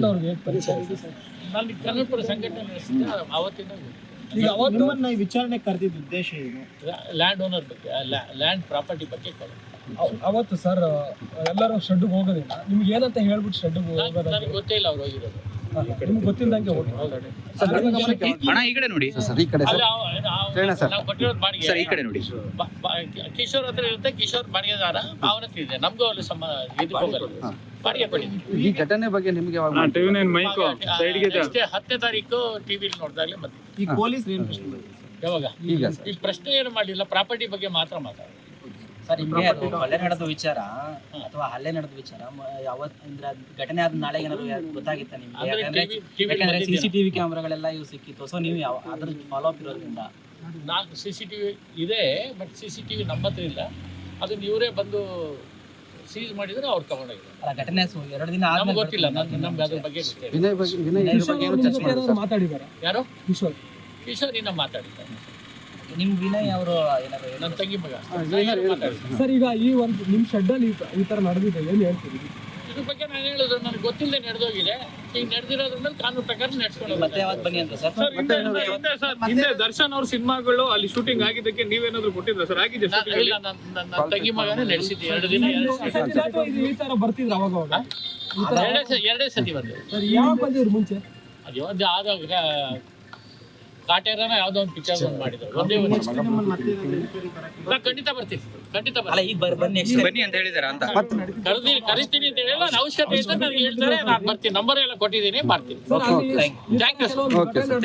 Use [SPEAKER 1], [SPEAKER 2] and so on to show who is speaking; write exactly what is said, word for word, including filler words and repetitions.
[SPEAKER 1] ನಾನು ಕನ್ನಡಪುರ ಸಂಘಟನೆ ನಡೆಸಿದ್ದೆ ಅವತ್ತಿನ.
[SPEAKER 2] ಈಗ ಅವತ್ತು ವಿಚಾರಣೆ ಕರೆದಿದ್ದ ಉದ್ದೇಶ ಏನು?
[SPEAKER 1] ಲ್ಯಾಂಡ್ ಓನರ್ ಬಗ್ಗೆ, ಲ್ಯಾಂಡ್ ಪ್ರಾಪರ್ಟಿ ಬಗ್ಗೆ.
[SPEAKER 2] ಅವತ್ತು ಸರ್ ಎಲ್ಲರೂ ಶೆಡ್ಗೆ ಹೋಗೋದಿಲ್ಲ, ನಿಮ್ಗೆ ಏನಂತ ಹೇಳ್ಬಿಟ್ಟು ಶೆಡ್ಗೆ ಹೋಗೋದು
[SPEAKER 1] ನನಗೆ ಗೊತ್ತೇ ಇಲ್ಲ ಅವ್ರು ಹೋಗಿರೋದು.
[SPEAKER 2] ನಿಮ್ಗೆ ಗೊತ್ತಿಲ್ಲದಂಗೆ ಹೋಗಿ
[SPEAKER 3] ಅಣ್ಣ ಈ ಕಡೆ ನೋಡಿ ಸರ್, ಈ ಕಡೆ
[SPEAKER 1] ನಾವು ಕೊಟ್ಟಿರೋದು ಬಾಡಿಗೆ
[SPEAKER 3] ಸರ್, ಈ ಕಡೆ ನೋಡಿ.
[SPEAKER 1] ಕಿಶೋರ್ ಹತ್ರ ಇರುತ್ತೆ, ಕಿಶೋರ್ ಬಾಡಿಗೆದಾರ ಅವನ ಹತ್ರ ಇದೆ, ನಮಗೂ ಅಲ್ಲಿ ಸಮ ಇದಕ್ಕೆ ಹೋಗಲ್ಲ, ಬಾಡಿಗೆ ಕೊಟ್ಟಿದ್ದೀವಿ.
[SPEAKER 3] ಈ ಘಟನೆ ಬಗ್ಗೆ ನಿಮಗೆ
[SPEAKER 1] ಅಷ್ಟೇ ಹತ್ತನೇ ತಾರೀಕು ಟಿವಿಲಿ ನೋಡಿದಾಗಲೇ ಮತ್ತೆ.
[SPEAKER 2] ಈ ಪೊಲೀಸ್
[SPEAKER 1] ಯಾವಾಗ
[SPEAKER 3] ಈಗ
[SPEAKER 1] ಈ ಪ್ರಶ್ನೆ ಏನು ಮಾಡಲಿಲ್ಲ, ಪ್ರಾಪರ್ಟಿ ಬಗ್ಗೆ ಮಾತ್ರ ಮಾತಾಡ.
[SPEAKER 4] ಸರ್ ನಿಮಗೆ ಅದು ಕೊಲೆ ನಡೆದ ವಿಚಾರ ಅಥವಾ ಹಲ್ಲೆ ನಡೆದ ವಿಚಾರ ಯಾವತ್ ಅಂದ್ರೆ ಘಟನೆ ಆದ ನಾಳೆ ಏನಾದ್ರು ಗೊತ್ತಾಗಿತ್ತ ನಿಮ್ಗೆ? ಯಾಕಂದ್ರೆ ಸಿಸಿಟಿವಿ ಕ್ಯಾಮ್ರಾಗಳೆಲ್ಲ ಇವು ಸಿಕ್ಕಿತ್ತು, ಸೊ ನೀವು ಯಾವ ಅದ್ರ ಫಾಲೋ ಅಪ್ ಇರೋದ್ರಿಂದ.
[SPEAKER 1] ನಾಲ್ಕು ಸಿ ಸಿ ಟಿ ವಿ ಇದೆ, but C C T V ನಮ್ಮ ಹತ್ರ ಇಲ್ಲ. ಅದನ್ನ ಇವರೇ ಬಂದು ಸೀಸ್ ಮಾಡಿದ್ರೆ ಅವ್ರು ತಗೊಂಡೋಗಿದ್ದಾರೆ.
[SPEAKER 4] ಅಲ್ಲ ಘಟನೆ ಎರಡು ದಿನ
[SPEAKER 1] ನಮ್ಗೆ ಗೊತ್ತಿಲ್ಲ, ನಮ್ಗೆ ಅದ್ರ ಬಗ್ಗೆ ಗೊತ್ತಿಲ್ಲ.
[SPEAKER 2] ಮಾತಾಡಿದಾರ
[SPEAKER 1] ಯಾರು?
[SPEAKER 2] ಕಿಶೋರ್
[SPEAKER 1] ಕಿಶೋರ್ ಇನ್ನ ಮಾತಾಡಿದ್ದಾರೆ.
[SPEAKER 4] ನಿಮ್ ವಿನಯ್ ಅವರು ಏನಾದ್ರು
[SPEAKER 1] ನನ್ನ ತಂಗಿ ಮಗ
[SPEAKER 2] ಸರ್. ಈಗ ಈ ಒಂದು ನಿಮ್ ಶೆಡ್ ಅಲ್ಲಿ ಈ ತರ ನಡೆದಿದೆ, ಏನ್ ಹೇಳ್ತೀರಿ
[SPEAKER 1] ಇದ್ರ ಬಗ್ಗೆ? ನಾನು ಹೇಳೋದು ನನಗೆ ಗೊತ್ತಿಲ್ಲದೆ ನಡೆದೋಗಿದೆ. ಈಗ ನಡೆದಿರೋದ್ರ ಮೇಲೆ ಕಾನೂನು ಪ್ರಕಾರ ನಡೆಸ್ಕೊಂಡು
[SPEAKER 4] ಮತ್ತೆ ಯಾವತ್ತು ಬನ್ನಿ ಅಂತ ಸರ್?
[SPEAKER 5] ಹಿಂದೆ ದರ್ಶನ್ ಅವ್ರ ಸಿನಿಮಾಗಳು ಅಲ್ಲಿ ಶೂಟಿಂಗ್ ಆಗಿದ್ದಕ್ಕೆ ನೀವೇನಾದ್ರು ಕೊಟ್ಟಿದ್ರ ಸರ್? ಆಗಿದೆ
[SPEAKER 1] ಇಲ್ಲ, ನನ್ನ ತಂಗಿ ಮಗನೇ ನಡೆಸಿದ್ದೆ ಎರಡು ದಿನ.
[SPEAKER 2] ಈ ತರ ಬರ್ತಿದ್ರು ಅವಾಗ ಅವಾಗ
[SPEAKER 1] ಎರಡೇ ಸ- ಎರಡೇ ಸತಿ ಬಂದೆ.
[SPEAKER 2] ಯಾವಾಗ ಬಂದಿದ್ರು ಮುಂಚೆ?
[SPEAKER 1] ಅದು ಒಂದು ಆದಾಗ ಕಾಟೇರನ ಯಾವ್ದೋ ಒಂದು ಪಿಕ್ಚರ್ ಒಂದು ಮಾಡಿದ್ರು, ಒಂದೇ ಒಂದು. ನಾ ಖಂಡಿತ ಬರ್ತೀನಿ, ಖಂಡಿತ
[SPEAKER 4] ಅಲ್ಲ
[SPEAKER 1] ಬರ್ತೀನಿ.
[SPEAKER 4] ಈಗ ಬರ್ ಬನ್ನಿ ನೆಕ್ಸ್ಟ್
[SPEAKER 3] ಬನ್ನಿ ಅಂತ ಹೇಳಿದಾರ ಅಂತ
[SPEAKER 1] ಕರೆದಿ ಕರಿತೀನಿ ಅಂತ ಹೇಳಿಲ್ಲ, ನನ್ನ ಅವಶ್ಯಕತೆ ಇದ್ದರೆ ನನಗೆ ಹೇಳ್ತಾರೆ, ನಾನು ಬರ್ತೀನಿ. ನಂಬರ್ ಎಲ್ಲ ಕೊಟ್ಟಿದ್ದೀನಿ, ಬರ್ತೀನಿ.
[SPEAKER 2] ಸರ್, ಅಲ್ಲಿ
[SPEAKER 1] ಥ್ಯಾಂಕ್ ಯು
[SPEAKER 2] ಕೆಲವೊಂದು ಘಟನೆ